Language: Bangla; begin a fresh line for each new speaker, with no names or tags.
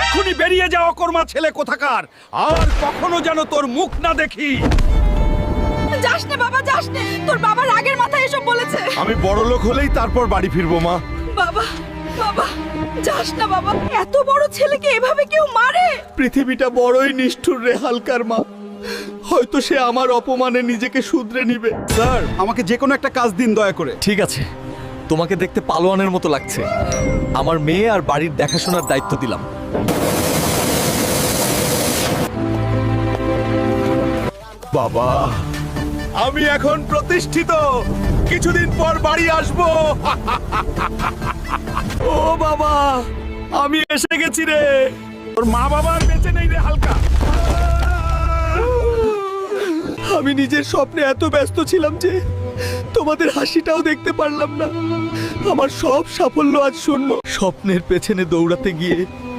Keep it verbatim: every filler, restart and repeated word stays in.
এক্ষুনি বেরিয়ে যাও কর্মা ছেলে কোথাকার, আর কখনো যেন তোর মুখ না দেখি।
যাস না বাবা, যাস না, তোর বাবা রাগের মাথায় এসব বলেছে।
আমি বড় লোক হলেই তারপর বাড়ি ফিরবো মা।
বাবা বাবা যাস না বাবা, এত বড় ছেলেকে এভাবে কেউ মারে?
পৃথিবীটা বড়ই নিষ্ঠুর রে হালকার মা। হয়তো সে আমার অপমানে নিজেকে শুধরে নিবে।
স্যার, আমাকে যে কোনো একটা কাজ দিন দয়া করে।
ঠিক আছে, তোমাকে দেখতে পালোয়ানের মতো লাগছে। আমার মেয়ে আর বাড়ির দেখাশোনার দায়িত্ব দিলাম।
বাবা, আমি এখন প্রতিষ্ঠিত, কিছুদিন পর বাড়ি আসবো। ও বাবা, আমি এসে গেছি রে।
তোর মা বাবা আর বেঁচে নেই রে হালকা।
আমি নিজের স্বপ্নে এত ব্যস্ত ছিলাম যে তোমাদের হাসিটাও দেখতে পারলাম না। আমার সব সাফল্য আজ শূন্য। স্বপ্নের পেছনে দৌড়াতে গিয়ে